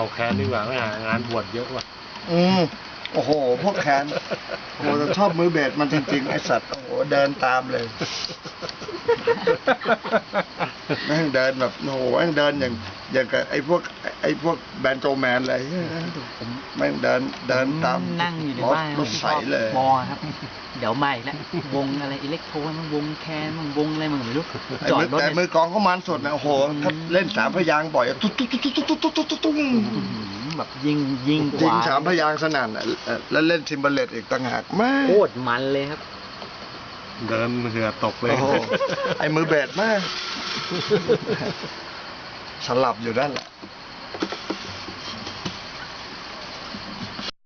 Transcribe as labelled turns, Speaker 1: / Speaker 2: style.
Speaker 1: แคนดีกว่าไม่หางานบวชเยอะกว่า
Speaker 2: โอ้โหพวกแคนโอ้โหชอบมือเบสมันจริงๆไอสัตว์โอ้โหเดินตามเลยแม่งเดินแบบโอ้โหแม่งเดินอย่างกับไอพวกแบนโจแมนอะไรแม่งเดินตาม
Speaker 3: นั่งอยู่ในบ้าน
Speaker 2: รถใสเลย
Speaker 3: มอครับเดี๋ยวมาอีกแล้ววงอะไรอิเล็กโทรมันวงแคนมันวงอะไรมันไม่รู้จอดรถ
Speaker 2: แต่มือกองเขามันสดนะโอ้โหถ้าเล่นสามพยางค์บ่อยตุ๊ดตุ๊ดตุ๊ดตุ๊ดตุ๊ดตุ๊ดตุ๊ดตุ๊ด
Speaker 3: แบบยิงก
Speaker 2: ยิง
Speaker 3: ว่า
Speaker 2: สามพยางค์สนั่นแล้วเล่นทิมเบเลตอีกต่างหากแม่
Speaker 3: โคตรมันเลยครับ
Speaker 1: เดินเหงื่อตกเลย
Speaker 2: โอ้โหไอ้มือเบสมากสลับอยู่นั่นแหละ